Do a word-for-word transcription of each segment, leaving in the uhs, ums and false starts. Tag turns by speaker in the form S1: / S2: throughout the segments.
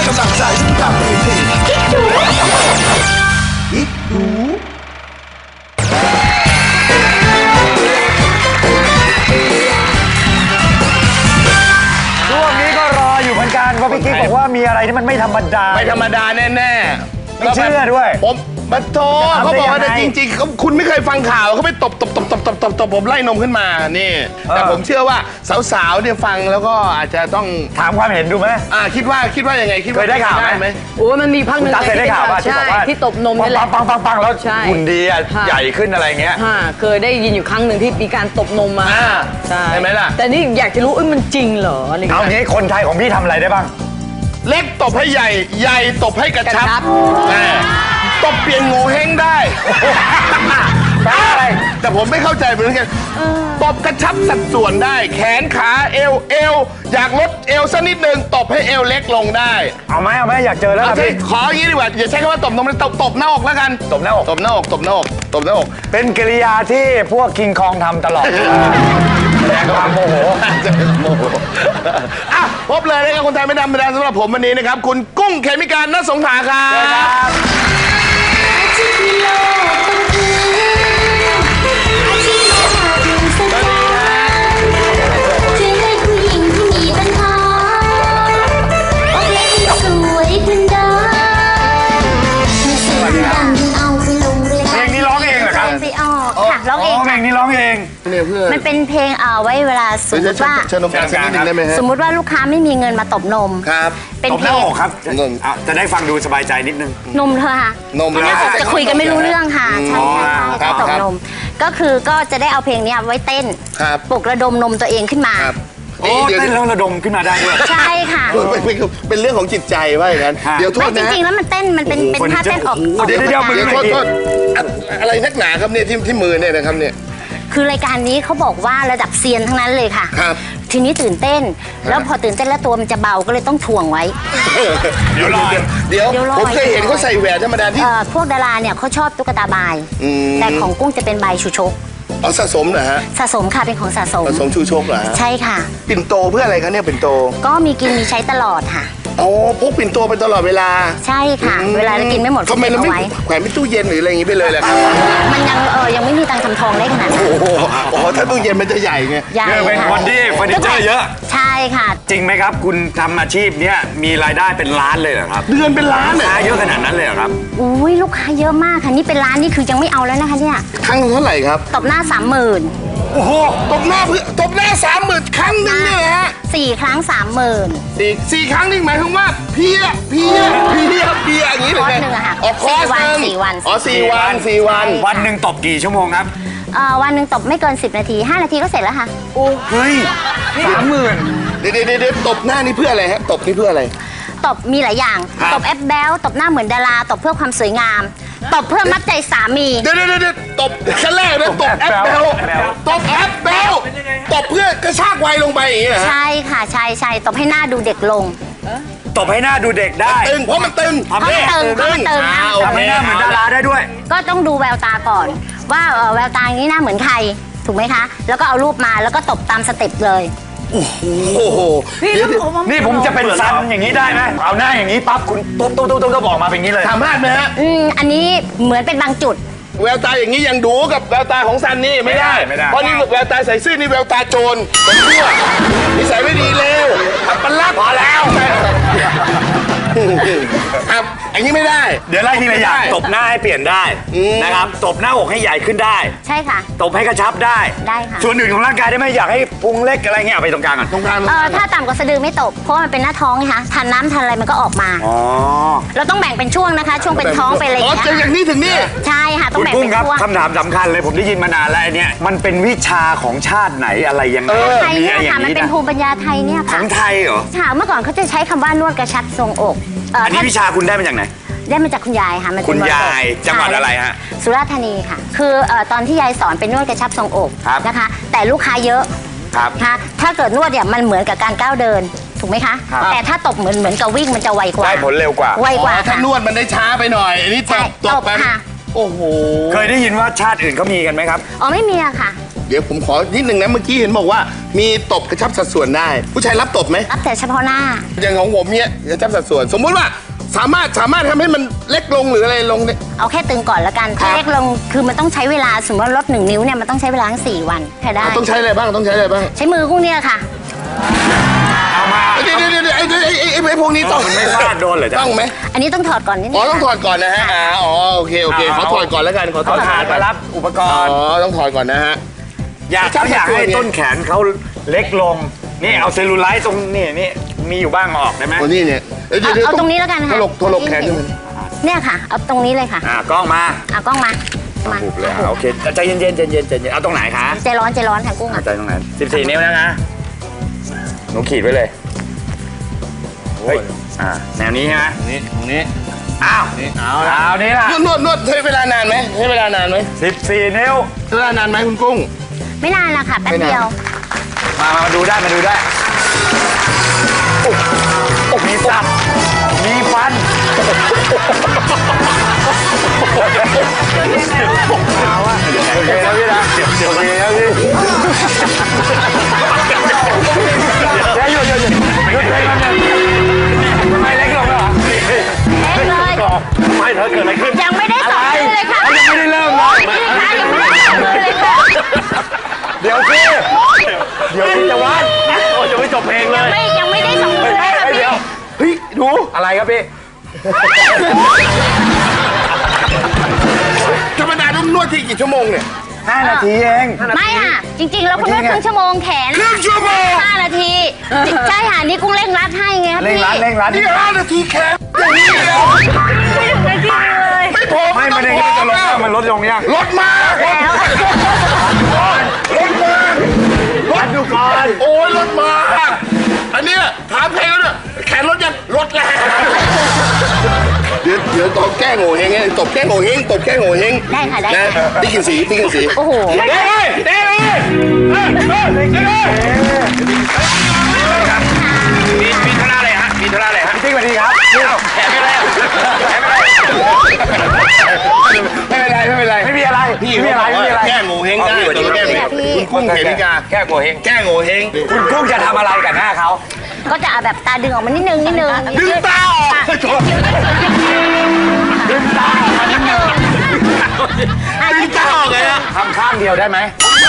S1: กำลังใจกับเพลงคิดดูคิดดู
S2: ช่วงนี้ก็รออยู่เหมือนกันเพราะพี่กิ๊กบอกว่ามีอะไรที่มันไม่ธรรมดา
S3: ไม่ธรรมดาแน่
S2: ๆไม่เชื่อด้วย
S3: ผมมาโทเขาบอกว่าแต่จริงๆคุณไม่เคยฟังข่าวเขาไปตบตบตบตบตบตบตบผมไล่นมขึ้นมานี่แต่ผมเชื่อว่าสาวๆเนี่ยฟังแล้วก็อาจจะต้อง
S2: ถามความเห็นดูไหม
S3: อ่าคิดว่าคิดว่ายังไงคิดว่า
S2: เคยได้ข่าวไหม
S4: โอ้มันมีพักหนึ่ง
S2: เคยได้ข่าวว่าที่บอกว่า
S4: ที่ตบนมนี่แหละ
S2: ปังปังปังแล้วหุ่นดีใหญ่ขึ้นอะไรเงี้ย
S4: เคยได้ยินอยู่ครั้งหนึ่งที่มีการตบนมมา
S3: ใช่ไหมล่ะ
S4: แต่นี่อยากจะรู้เอ้ยมันจริงเหรออะไรเงี้ย
S2: เอางี้คนไทยของพี่ทำอะไรได้บ้าง
S3: เล็กตบให้ใหญ่ใหญ่ตบให้กระชับตบเปลี่ยนโง่เฮงได้แต่ผมไม่เข้าใจเหมือนกันตบกระชับสัดส่วนได้แขนขาเอวเอวอยากลดเอวสักนิดนึงตบให้เอวเล็กลงได้
S2: เอาไหมเอาไหมอยากเจอแล้วพี่
S3: ขออย่างนี้ดีกว่าอย่าใช้คำว่าตบนมเลยตบตบหน้าอกแล้วกัน
S2: ตบหน้าอก
S3: ตบหน้าอกตบหน้าอกตบหน้าอก
S2: เป็นกิริยาที่พวกคิงคองทำตลอดแสดงความโมโห
S3: โมโหอ่ะพบเลยนะครับคนไทยไม่ธรรมดาสำหรับผมวันนี้นะครับคุณกุ้งเขมิการณสงขลาครับ
S5: ร้องเอง
S2: เพลงนี้ร้องเอง
S5: มันเป็นเพลงเอาไว้เวลาสมมติว่าสมมติว่าลูกค้าไม่มีเงินมาตบนม
S3: ครับ
S5: เป็นเพลง
S2: ครับจะได้ฟังดูสบายใจนิดนึง
S5: นมเธอค่ะ
S3: นม
S5: จะคุยกันไม่รู้เรื่องค่ะใช่ใช่ใช่ตบนมก็คือก็จะได้เอาเพลงนี้ไว้เต้นปลุกระดมนมตัวเองขึ้นมา
S2: โอ้เต้นแล้วระดมขึ้นมาได้ด้วย
S5: ใช่ค่ะ
S3: เป็นเรื่องของจิตใจว่าอย่างนั้น
S5: เดี๋ยวโทษนะจริงๆแล้วมันเต้นมันเป็นเป็นท่าเต้นออก
S3: เดี๋ยวเดี๋ยวโทษโทษอะไรนักหนาครับเนี่ยที่ที่มือเนี่ยนะครับเนี่ย
S5: คือรายการนี้เขาบอกว่าระดับเซียนทั้งนั้นเลยค่ะ
S3: ครับ
S5: ทีนี้ตื่นเต้นแล้วพอตื่นเต้นแล้วตัวมันจะเบาก็เลยต้องถ่วงไว้
S3: เดี๋ยวรอเดี๋ยวผมเคยเห็นเขาใส่แหวนธรรมดาที่
S5: พวกดาราเนี่ยเขาชอบตุ๊กตาบายแต่ของกุ้งจะเป็นใบชูชก
S3: อ๋อสะสมเหรอฮะ
S5: สะสมค่ะเป็นของสะสม
S3: สะสมชูชกเหรอ
S5: ใช่ค่ะ
S3: ปิ่นโตเพื่ออะไรคะเนี่ยปิ่นโต
S5: ก็มีกินมีใช้ตลอดค่ะ
S3: โอ้พกปิ่นโตไปตลอดเวลา
S5: ใช่ค่ะเวลาเรากินไม่หมด
S3: ทำไมเราไม่แขวนไม่ตู้เย็นหรืออะไรอย่างนี้ไปเลยล่ะครับ
S5: มันยังเออยังไม่มีตังค์ทำทองได้ขนาดนั้น
S3: โอ้โหโอ้ถ้าตู้เย็นมันจะใหญ่ไง
S5: ใหญ่
S2: เป็นคนที่เฟอร์นิเจอร์เยอะ
S5: ใช่ค่ะ
S2: จริงไหมครับคุณทำอาชีพเนี้ยมีรายได้เป็นล้านเลยเหรอครับ
S3: เดือนเป็นล้าน
S2: เลยเยอะขนาดนั้นเลยเหรอครับ
S5: อุ้ยลูกค้าเยอะมากค่ะนี่เป็นล้านนี่คือยังไม่เอาแล้วนะคะเนี่ย
S3: ครั้งเท่าไหร่ครับ
S5: ตบหน้าสามหมื่น
S3: โอ้โหตบหน้าเพื่อตบหน้าสามหมื่นครั้งนึงเนี่ยฮะ
S5: สี่ครั้งสามหมื่น
S3: สี่สี่ครั้งนี่หมายถึงว่าเพียเพียเพียเพียอย่างนี้เลย
S5: นะ
S3: อ๋อคอร์สหนึ่ง
S5: สี่วัน
S3: อ๋อสี่วันสี่วัน
S2: วันหนึ่งตบกี่ชั่วโมงครับ
S5: เอ่อวันหนึ่งตบไม่เกินสิบนาทีห้านาทีก็เสร็จแล้วค่ะ
S3: โอ้เฮ้ยสามหมื่นเดี๋ยวเดี๋ยวเดี๋ยวตบหน้านี่เพื่ออะไรฮะตบนี่เพื่ออะไร
S5: ตบมีหลายอย่างตบแอปแบลตบหน้าเหมือนดาราตบเพื่อความสวยงามตบเพื่อมัดใจสามี
S3: เดี๋ยวเดี๋ยวเดี๋ยวตบชั้นแรกนะตบแอปเบลตบแอปเบลตบเพื่อกระชากวัยลงไปอย่างนี้เหรอ
S5: ใช่ค่ะใช่ใช่ตบให้หน้าดูเด็กลง
S2: ตบให้หน้าดูเด็กได้
S3: ตึงเพราะมันตึง
S5: เพราะมันตึงเพราะมันตึง
S2: ทำให้หน้าเหมือนดาราได้ด้วย
S5: ก็ต้องดูแววตาก่อนว่าแววตาอย่างนี้หน้าเหมือนใครถูกไหมคะแล้วก็เอารูปมาแล้วก็ตบตามสเต็ปเลย
S3: โอ้โห
S2: นี่ผมจะเป็นซันอย่างนี้ได้ไหมเอาหน้าอย่างนี้ปั๊บคุณตุ๊บตุ๊บตุ๊บตุ๊บก็บอกมาเป็นอย่างนี้เลย
S3: สามารถไหมฮะ
S5: อืมอันนี้เหมือนเป็นบางจุด
S3: แววตาอย่างนี้ยังดูกับแววตาของซันนี่ไม่ได้เพราะนี่แววตาใส่ซื่อนี่แววตาโจรเป็นชั่วนิสัยไม่ดีเลวอับปลัก
S2: พอแล้ว
S3: ครับอันนี้ไม่ได้
S2: เดี๋ยวไล่ทีละอย่างตบหน้าให้เปลี่ยนได้นะครับตบหน้าอกให้ใหญ่ขึ้นได้
S5: ใช่ค่ะ
S2: ตบให้กระชับได้
S5: ได้ค่ะ
S2: ส่วนอื่นของร่างกายได้ไหมอยากให้พุงเล็กอะไรเงี้ยไปตรงกลางก่อน
S3: ตรงกลาง
S5: เออถ้าต่ำกว่าสะดือไม่ตบเพราะมันเป็นหน้าท้องไงคะทานน้ำทานอะไรมันก็ออกมา
S2: อ๋อ
S5: เราต้องแบ่งเป็นช่วงนะคะช่วงเป็นท้องเป็นอะไรอย่าง
S3: เงี้ยอ๋อจากนี้ถึงนี่
S5: ใช่ค่ะต้องแบ่งเป็นช่วง
S2: คำถามสำคัญเลยผมได้ยินมานานแล้วเนี่ยมันเป็นวิชาของชาติไหนอะไรยังไง
S5: ไทยเนี่ยค่ะมันเป็นภูมิปัญญาไทยเนี่ยค่ะ
S2: ของไทยเหรอ
S5: ค่ะเมื่อก่อนเขาจะใช้คำว่านวดกระชับทรงอก
S2: อันนี้วิชาคุณได้มาจากไหน
S5: ได้มาจากคุณยายค่ะ
S2: คุณยายจังหวัดอะไรฮะ
S5: สุราษฎร์ธานีค่ะคือตอนที่ยายสอนเป็นนวดกระชับทรงอกนะคะแต่ลูกค้าเยอะค่ะถ้าเกิดนวดเนี่ยมันเหมือนกับการก้าวเดินถูกไหมคะแต่ถ้าตบเหมือนเหมือนกับวิ่งมันจะไวกว่า
S2: ได้ผลเร็วกว่า
S5: ไวกว่า
S3: ถ้านวดมันได้ช้าไปหน่อยอันนี้ตบตบไปโอ้โห
S2: เคยได้ยินว่าชาติอื่นเขามีกันไหมครับ
S5: อ๋อไม่มีอะค่ะ
S3: เดี๋ยวผมขอนิดนึงนะเมื่อกี้เห็นบอกว่ามีตบกระชับสัดส่วนได้ ผู้ชายรับตบไหม
S5: รับแต่เฉพาะหน้า
S3: อย่างของผมเนี่ยกระชับสัดส่วน สมมุติว่าสามารถสามารถทำให้มันเล็กลงหรืออะไรลงเนี่ย
S5: เอาแค่ตึงก่อนละกัน
S3: ครับ
S5: ถ้าเล็กลงคือมันต้องใช้เวลาสมมติว่าลดหนึ่งนิ้วเนี่ยมันต้องใช้เวลาทั้งสี่วันแค่ได้
S3: ต้องใช้อะไรบ้างต้องใช้อะไรบ้าง
S5: ใช้มือกุ้งเนี่ยค่ะ
S2: เอามา
S3: เดี๋ยวเดี๋ยวเดี๋ยวไอ้ไอ้ไอ้ไอ้ไอ้พวกนี้ต้อง
S2: มันไม่ฟาดโดนเหรอจ๊ะ
S3: ต้องไหม
S5: อันนี้ต้องถอดก่อนนิดนึ
S3: อ๋อง ต้องถอดก่อนนะฮะอ่าอ๋อโอเคโอเคขอถอดก่อนแล้วกันขอถอ
S2: เขา
S3: ด
S2: ถาดมารับอุปก
S3: อ๋อ
S2: รณ์
S3: ต้องถอดก่อนนะฮะ
S2: อยาก
S3: จับ
S2: เขาอยาก
S3: ตัว
S2: ให้
S3: เนี่ย
S2: ต้นแขนเขาเล็กลง นี่เอาเซลลูไลท์ตรงนี่นี่มีอยู่บ้างออกได้ไหม
S3: โอ้นี่เนี่ยดี๋ยว
S5: เอา
S3: ดี๋ยว
S5: เอาตรงนี้แล้วกัน
S3: ถ
S5: ค่ะ
S3: ลกถลกแขนขึ้นมา
S5: เนี่ยค่ะ เอาตรงนี้เลยค่ะ
S2: อ่ากล้องมา
S5: เอากล้องมามา
S2: บุบเลยอ่ะโอเคใจเย็นๆใจเย็นๆใจเย็นเอาตรงไหนคะ
S5: ใจร้อนใจร้อนค่ะกุ้ง
S2: เอาใจตรงไหนสิบสี่นิ้วนะนะหนูขีดไว้เลยเฮ้ยอ่าแนวนี้ใช่ไหม
S3: นี่ตรงนี้
S2: อ้าวเอาเอานี้ล่ะ
S3: นวดนวดนวดใช้เวลานานไหมใช้เวลานานไหม
S2: สิบสี่นิ้ว
S3: ใช้เวลานานไหมคุณกุ้ง
S5: ไม่นานละค่ะแป๊บเดียว
S2: มามามาดูได้มาดูได้โอ้โอ้มีสับมีฟันเอาวะโอเคแล้วพี่นะโอเคแล้วพี่เดี๋ยวหยุดหยุดหยุดหยุดเลยมันทำไมเล็กลงแล้วเหรอ
S5: เล็กเลย
S2: ไม่เธอเกิดอะไรขึ้น
S5: ยังไม่ได้สองมือเลยค่ะ
S2: ยังไม่ได้เริ่มเลย
S5: นี่ค่ะยังไม่ได้สองมือเลยค่ะ
S2: เดี๋ยวสิเดี๋ยวพี่จะวัดโอ้จะไม่จบเพลงเลย
S5: ไม่ยังไม่ได้สองมือเลยค่ะพี่
S2: เดี๋ยวเฮ้ยดูอะไรครับพี่
S3: ธรรมดาต้องนวดที่กี่ชั่วโมงเนี่ย
S2: ห้านาทีเอง
S5: ไม่ค่ะ จริงๆแล้วคุณนวดครึ่งชั่วโมงแขน
S3: ครึ่งชั่วโมง
S5: ห้านาทีใช่ค่ะนี่กุ้งเร่งรัดให้ไงครับ
S2: เร่ง
S5: พี่
S2: รัดเร่งรัด
S3: นี่ห้านาทีแค่อย่างนี้เลย
S5: ไม่ถึงนาทีเลย
S3: ไม่พอ
S2: ไม่มันเองจะลงยังมันลดลงยัง
S3: ลดมา
S5: แล้ว
S3: ลดมา
S2: วัดดูก่อน
S3: โอ้ยลดมาอันเนี้ยถามเพลงแล้วเนี่ยแขนลดยังลดแล้วเดี๋ยวเดี๋ยวตบแก้โง่เฮงไงตบแก้โง่เฮงตบแก้โง่เฮง
S5: ได้ค่ะได้
S3: นะ
S5: ค่ะ
S3: ติ๊กกินสีติ๊กกินสี
S5: โอ้โห
S3: เด้เลยเด้เลยเด้เลยเด้เลยมีมีธุระอะไรฮะมีธุระอะไรฮะ
S2: พี่ติ๊กสวัสดีครับ
S3: แขนไม่ได้แขนไม่ได้ไม่เป็นไรไม่เป็นไร
S2: ไม่มีอะไร
S3: พี่
S2: ไม่มีอะไรไม่มีอะไร
S3: แก้โง่เฮงได้ตัวแก้โง่เฮงคุณกุ้งเขมิกา
S2: แก้โง่เฮง
S3: แก้โง่เฮง
S2: คุณกุ้งจะทำอะไรกับหน้าเขา
S5: ก็จะเอาแบบตาดึงออกมานิดนึงนิดนึง
S3: ดึงตาออก
S2: ดึงตาออกมานิดนึง
S5: อ่ะ
S3: ดึงตาออกเลยฮะ
S2: ทำข้างเดียวได้ไหม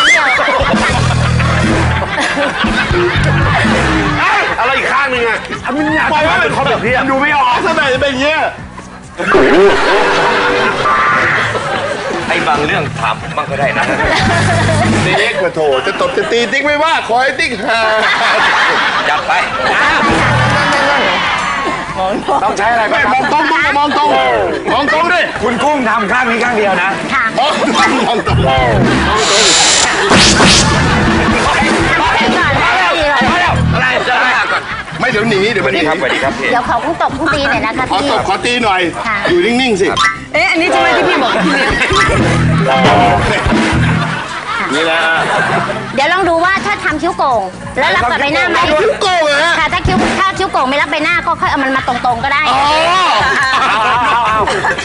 S3: อะไรอีกข้างหนึ่งอ่ะ
S2: มันอยากปล่อยว่าเป็นคนแบบพี่
S3: ดูไม่ออกทำไมจะเป็นอย่างเงี้ย
S6: ไอ้บางเรื่องถามผมบ้างก็ได้นะ
S3: ติ๊กมาโถจะตบจะตีติ๊กไม่ว่าขอให้ติ๊กหา
S6: จับไป
S2: ต้องใช้อะไร
S3: ไม่
S2: บ้าง
S3: มองตรงมองตรงมองตรงดิ
S2: คุณกุ้งทำข้างนี้ข้างเดียวนะ
S5: ค่ะ
S3: มองตรงมองตรง
S6: อะไรจะอะไรก่อน
S3: ไม่เดี๋ยวหนีเดี๋ยวมันหนี
S6: ครับสวัสดีครับพี่
S5: เดี๋ยวขอกุ้งตบกุ้งตีหน่อยนะคะ
S3: ขอ
S5: พี่
S3: ตบขอตีหน่อย
S5: ค่ะ
S3: อยู่นิ่งๆสิ
S4: เอ๊ะอันนี้ใช่ไหมที่พี่บอกกับพี่เลี้ยง
S3: นี่นะ
S5: เดี๋ยวลองดูว่าถ้าทำคิ้วโก่งแล้วรับกับใบหน้าไหม
S3: คิ้วโกงเหรอฮะ
S5: ค่ะถ้าคิ้วถ้าคิ้วโก่งไม่รับใบหน้าก็ค่อยเอามันมาตรงๆก็ได้
S3: อ๋อ
S2: เอาเอาเอา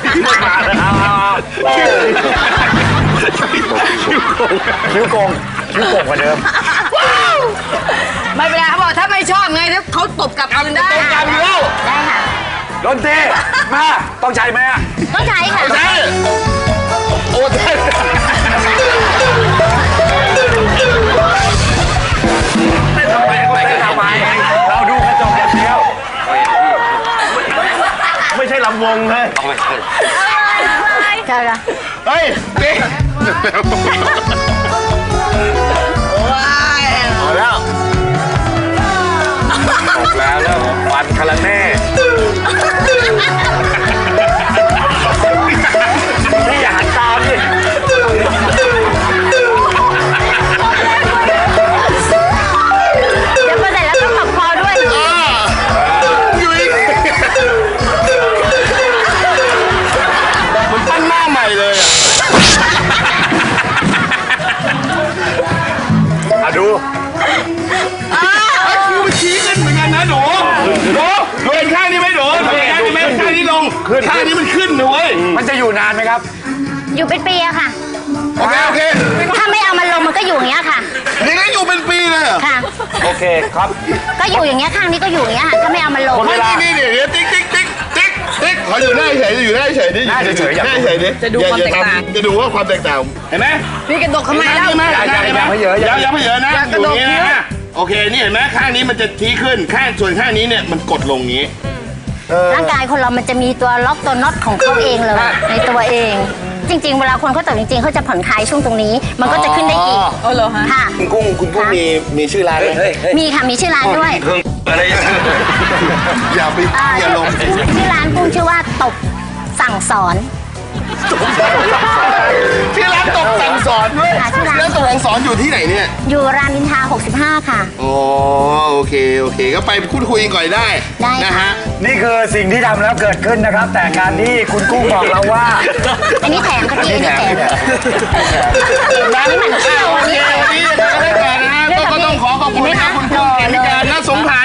S2: คิ้วโกงคิ้วโกงกว่าเดิม
S4: ไม่เป็นไรเขาบอกถ้าไม่ชอบไงถ้าเขาตบกลับคืนได้
S3: ต้องการอยู่แล้ว
S5: ได้ค่ะ
S2: ดนตรีมาต้องใช้ไหมอะ
S5: ต้องใช้ค่ะ
S3: ใช่โอ้ใช่
S2: ทำไมไม่ทำไมเราดูกระจกอย่างเดียว
S3: ไม่ใช่ลำวงเลย
S6: เอาไปเถอะ
S5: ใช่ค่ะ
S3: เฮ้ยติ๊กเอาแล้ว
S2: ตกแล้วเริ่มฟันคาราเน่พี่อย่าหันตามดิ
S5: เดี๋ยวพอเสร็จแล้วก็ขับคอด้วย
S3: อยู่อีกมันปั้นหน้าใหม่เลยอ่ะ
S2: อ่ะดู
S3: ไอ้คิวมันชี้ขึ้นเหมือนกันนะหนูหนูหนูเห็นข้างนี้ไหมหนูหนูเห็นข้างนี้ไหมข้างนี้ลงข้างนี้มันขึ้นนะเว้ย
S2: มันจะอยู่นานไหมครับ
S5: อยู่เป็นปีอะค่ะ
S3: โอเคโอเค
S5: ถ้าไม่เอามันลงมันก็อยู่อย่างเงี้ยค่ะ
S3: นี่ก็อยู่เป็นปีเลยเหรอ
S5: ค่ะ
S2: โอเคครับ
S5: ก็อยู่อย่างเงี้ยข้างนี้ก็อยู่อย่างเงี้ยค่ะถ้าไม่เอามันลง
S3: ไม่นี่นี่เดี๋ยวติ๊กติ๊กติ๊กติ๊กติ๊กขออยู่หน้าเฉยอยู่หน้าเฉยดิ
S2: หน้าเฉยๆอยาก
S3: หน้าเฉยดิ
S4: จะดูความแตกต่าง
S3: จะดูว่าความแตกต่างเห็นไหม
S4: พี่กระดกทำไมแล้ว
S3: เห็นไหม
S2: อย่าอย่า
S3: เห็นไหม
S2: อย่าไปเยอะอย่า
S3: อย่าไปเยอะนะ
S4: อย่ากระโดด
S3: อยู่อย่างนี้นะโอเคนี่เห็นไหมข้างนี้มันจะทีขึ้นข้างส่วนข้างนี้เนี่ยมันกดลงนี้
S5: ร่างกายคนเรามันจะมีตัวล็อกตัวน็อตของเขาเองเลยในตัวเอง จริง ๆ เวลาคนเขาตกจริงๆเขาจะผ่อนคลายช่วงตรงนี้ มันก็จะขึ้นได้อีก
S4: เออเหรอฮะ
S5: ค่ะ
S3: คุณกุ้งคุณกุ้งมีมีชื่อร้านไหม
S6: เฮ้ยเฮ้ย
S5: มีค่ะมีชื่อร้านด้วย
S6: เพิ่งอะไรอย่างเงี้ย
S3: อย่าไป
S5: อ่า
S3: อย่าลง
S5: ชื่อร้านกุ้งชื่อว่าตบสั่งสอน
S3: ที่ร้านตกสั่งสอนด้วย
S5: ค่ะที่ร้าน
S3: แล้วตกสั่งสอนอยู่ที่ไหนเนี่ย
S5: อยู่รามอินทราหกสิบห้าค่ะ
S3: อ๋อโอเคโอเคก็ไปพูดคุยกันก่อนได้
S5: ได้ค่ะ
S3: นะฮะ
S2: นี่คือสิ่งที่ทำแล้วเกิดขึ้นนะครับ แต่การที่คุณกุ้งบอกเราว่า
S5: อันนี้แถมค่ะพี่อันนี้แถม
S3: ร้านนี้มันเที่ยวโอเควันนี้จะไปกันได้ก่อนนะฮะก็ต้องขอขอบคุณนะครับคุณกุ้งเขมิการณสงขลา